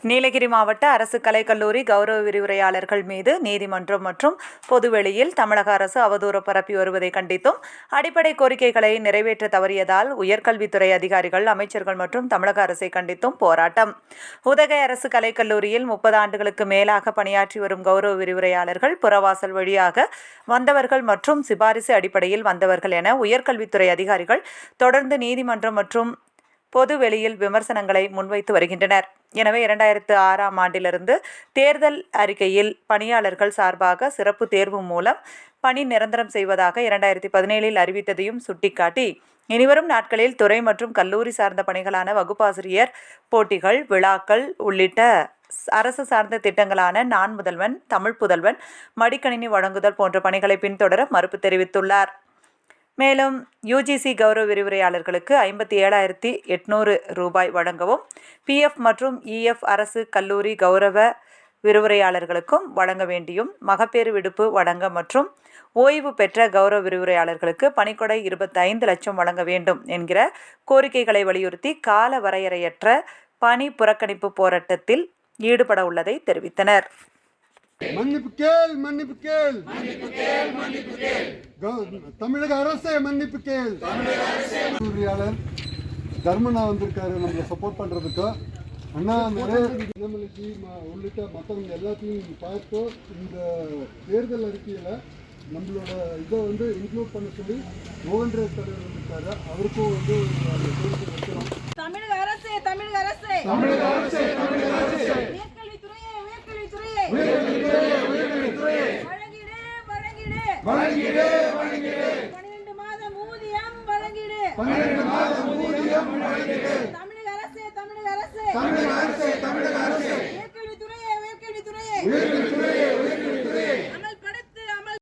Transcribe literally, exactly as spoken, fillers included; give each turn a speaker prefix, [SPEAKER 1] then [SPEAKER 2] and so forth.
[SPEAKER 1] நீலகிரி மாவட்ட அரசு கலைக்கல்லூரி கௌரவ விரிவுரையாளர்கள் மீது நீதிமன்றம் மற்றும் பொதுவெளியில் தமிழக அரசு அவதூறு பரப்பி வருவதை கண்டித்தும் அடிப்படை கோரிக்கைகளை நிறைவேற்ற தவறியதால் உயர்கல்வித்துறை அதிகாரிகள், அமைச்சர்கள் மற்றும் தமிழக அரசை கண்டித்தும் போராட்டம். உதகை அரசு கலைக்கல்லூரியில் முப்பது ஆண்டுகளுக்கு மேலாக பணியாற்றி வரும் கௌரவ விரிவுரையாளர்கள் புறவாசல் வழியாக வந்தவர்கள் மற்றும் சிபாரிசு அடிப்படையில் வந்தவர்கள் என உயர்கல்வித்துறை அதிகாரிகள் தொடர்ந்து நீதிமன்றம் மற்றும் பொது வெளியில் விமர்சனங்களை முன்வைத்து வருகின்றனர். எனவே இரண்டாயிரத்து ஆறாம் ஆண்டிலிருந்து தேர்தல் அறிக்கையில் பணியாளர்கள் சார்பாக சிறப்பு தேர்வு மூலம் பணி நிரந்தரம் செய்வதாக இரண்டாயிரத்தி பதினேழில் அறிவித்ததையும் சுட்டிக்காட்டி, இனிவரும் நாட்களில் துறை மற்றும் கல்லூரி சார்ந்த பணிகளான வகுப்பாசிரியர் போட்டிகள், விழாக்கள் உள்ளிட்ட அரசு சார்ந்த திட்டங்களான நான் முதல்வன், தமிழ் புதல்வன், மடிக்கணினி வழங்குதல் போன்ற பணிகளை பின்தொடர மறுப்பு தெரிவித்துள்ளார். மேலும் யுஜிசி கௌரவ விரிவுரையாளர்களுக்கு ஐம்பத்தி ஏழாயிரத்தி எட்நூறு ரூபாய் வழங்கவும், பிஎஃப் மற்றும் இஎஃப் அரசு கல்லூரி கௌரவ விரிவுரையாளர்களுக்கும் வழங்க வேண்டியும், மகப்பேறு விடுப்பு வழங்க மற்றும் ஓய்வு பெற்ற கௌரவ விரிவுரையாளர்களுக்கு பணிக்கொடை இருபத்தி ஐந்து லட்சம் வழங்க வேண்டும் என்கிற கோரிக்கைகளை வலியுறுத்தி கால வரையறையற்ற பணி புறக்கணிப்பு போராட்டத்தில் ஈடுபட உள்ளதை தெரிவித்தனர்.
[SPEAKER 2] மன்னிப்பு கேள் மன்னிப்பு கேள் தமிழக அரசே மன்னிப்பு கேள். பொறியாளர் தர்மனா வந்திருக்காரு நம்மளை சப்போர்ட் பண்றதுக்கு. அண்ணா நிறைய உள்ளிட்ட மற்றவங்க எல்லாத்தையும் பார்த்து இந்த தேர்தல் அறிக்கையில நம்மளோட இதை வந்து இன்க்ளூட் பண்ண சொல்லி மோகன்ராஜ் தலைவர் வந்திருக்காரு. அவருக்கும் வந்து வைக்கிறோம். தமிழக அரசே தமிழக அரசே தமிழக அரசே தமிழக அரசே உயர்கல்வித்துறையே உயர்கல்வித்துறையே உயர்கல்வித்துறையே உயர்கல்வித்துறையே வழங்கிடு வழங்கிடு வழங்கிடு வழங்கிடு பன்னிரண்டு மாதம் ஊதியம் வழங்கிடு பன்னிரண்டு மாதம் ஊதியம் வழங்கிடு. தமிழக அரசே தமிழக அரசே தமிழக அரசே தமிழக அரசே உயர்கல்வித்துறையே உயர்கல்வித்துறையே உயர்கல்வித்துறையே